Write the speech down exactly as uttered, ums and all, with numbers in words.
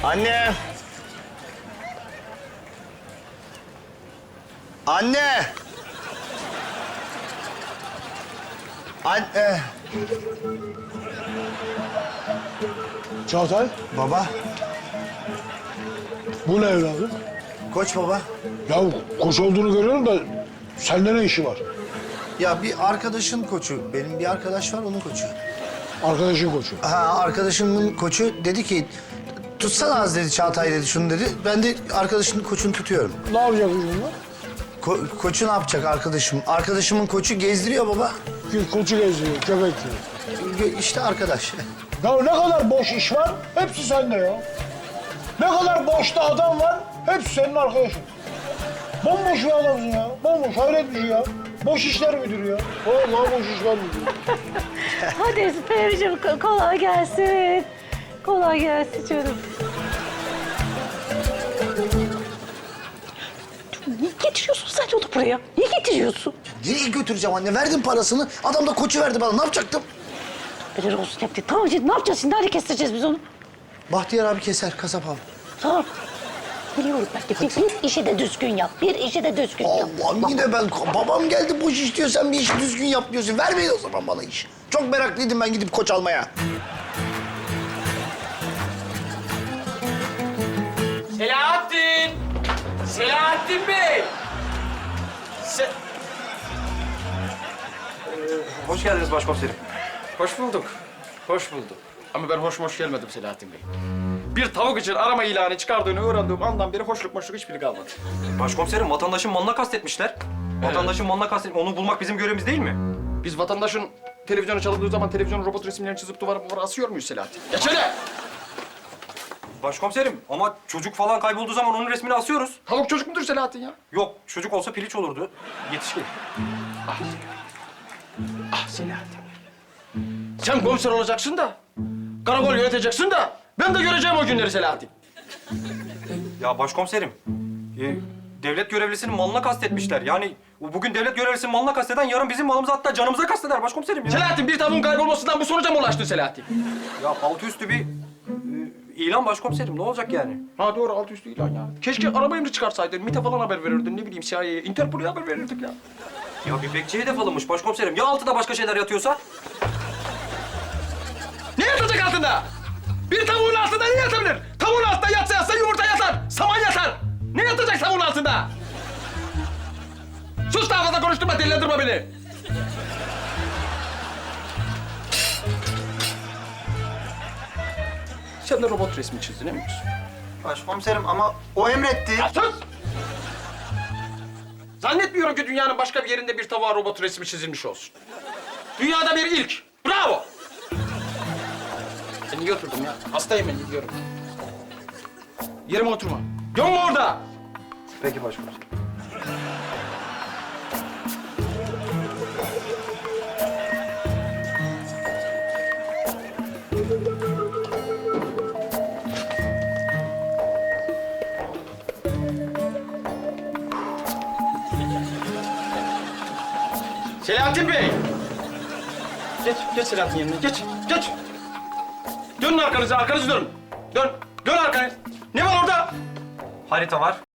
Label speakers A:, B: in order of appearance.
A: Anne! Anne! Anne!
B: Çağatay,
A: Baba,
B: bu ne evladım?
A: koç baba.
B: Ya koç olduğunu görüyorum da sende ne işi var?
A: Ya bir arkadaşın koçu, benim bir arkadaş var onun koçu.
B: Arkadaşın koçu.
A: Ha, arkadaşımın koçu dedi ki, tutsana az dedi Çağatay dedi, şunu dedi. Ben de arkadaşımın koçunu tutuyorum.
B: Ne yapacak bunlar?
A: Ko- koçu ne yapacak arkadaşım? Arkadaşımın koçu gezdiriyor baba.
B: Ki koçu geziyor, köpek diyor.
A: Ge- İşte arkadaş.
B: Ya ne kadar boş iş var, hepsi sende ya. Ne kadar boşta adam var, hepsi senin arkadaşın. Bomboş bir adamsın ya, bomboş, hayret bir şey ya. Boş işler müdürü ya. Vallahi boş işler müdürü.
C: Hadi Esmer'cim ko- kolay gelsin. Kolay gelsin canım. Niye getiriyorsun sen onu buraya? Niye getiriyorsun?
A: Nereye götüreceğim anne? Verdim parasını. Adam da koçu verdi bana. Ne yapacaktım?
C: Helal olsun yaptı. Tamam şimdi ne yapacağız şimdi? Nerede kestireceğiz biz onu?
A: Bahtiyar abi keser, kasap abi.
C: Tamam. Biliyorum ben de. Bir, bir işi de düzgün yap. Bir işi de düzgün yap.
A: Allah'ım yine ben... Babam geldi boş iş diyor. Sen bir işi düzgün yap diyorsun. Vermeyin o zaman bana iş. Çok meraklıydım ben gidip koç almaya.
D: Selahattin! Selahattin Bey! Se
E: Hoş geldiniz başkomiserim.
D: hoş bulduk. Hoş bulduk. Ama ben hoş hoş gelmedim Selahattin Bey. Bir tavuk için arama ilanı çıkardığını öğrendiğim andan beri hoşluk hoşluk hiçbiri kalmadı.
E: Başkomiserim vatandaşın malına kastetmişler. Vatandaşın malına kastetmiş. Onu bulmak bizim görevimiz değil mi?
D: Biz vatandaşın televizyonu çalındığı zaman televizyonun robot resimlerini çizip duvara duvara asıyor muyuz Selahattin? Geç hele!
E: Başkomiserim ama çocuk falan kaybolduğu zaman onun resmini asıyoruz.
D: Tavuk çocuk mudur Selahattin ya?
E: Yok çocuk olsa piliç olurdu. Yetişkin.
D: Ah, ah Selahattin. Sen komiser olacaksın da, karakol yöneteceksin da ben de göreceğim o günleri Selahattin.
E: Ya başkomiserim. e, devlet görevlisinin malına kastetmişler. Yani bugün devlet görevlisinin malına kasteden yarın bizim malımıza hatta canımıza kasteder başkomiserim ya.
D: Selahattin bir tavuğun kaybolmasından bu sonuca mı ulaştın Selahattin?
E: Ya altı üstü bir e, ilan başkomiserim. Ne olacak yani?
D: Ha doğru altı üstü ilan ya. Keşke araba emri çıkarsaydın, MİT'e falan haber verirdin, ne bileyim C I A'ye, Interpol'e haber verirdik ya.
E: Ya bir bekçi hedef alınmış başkomiserim. Ya altıda başka şeyler yatıyorsa?
D: Ne yatacak altında? Bir tavuğun altında ne yatabilir? Tavuğun altında yatsa yatsa yumurta yatar, saman yatar. Ne yatacak tavuğun altında? Sus daha fazla konuşturma, delilendirme beni. Sen de robot resmi çizdin, emin misin?
A: Başkomiserim ama o emretti.
D: Ya sus! Zannetmiyorum ki dünyanın başka bir yerinde bir tavuğa robot resmi çizilmiş olsun. Dünyada bir ilk. Bravo! Ben niye oturdum ya? Hastayım ben, gidiyorum. Yerime oturma. Gömme orada!
E: Peki başkomiserim.
D: Selahattin Bey! Geç, geç Selahattin yerine. Geç, geç! Dönün arkanıza, arkanızı dönün. Dön, dön arkanı. Ne var orada?
E: Harita var.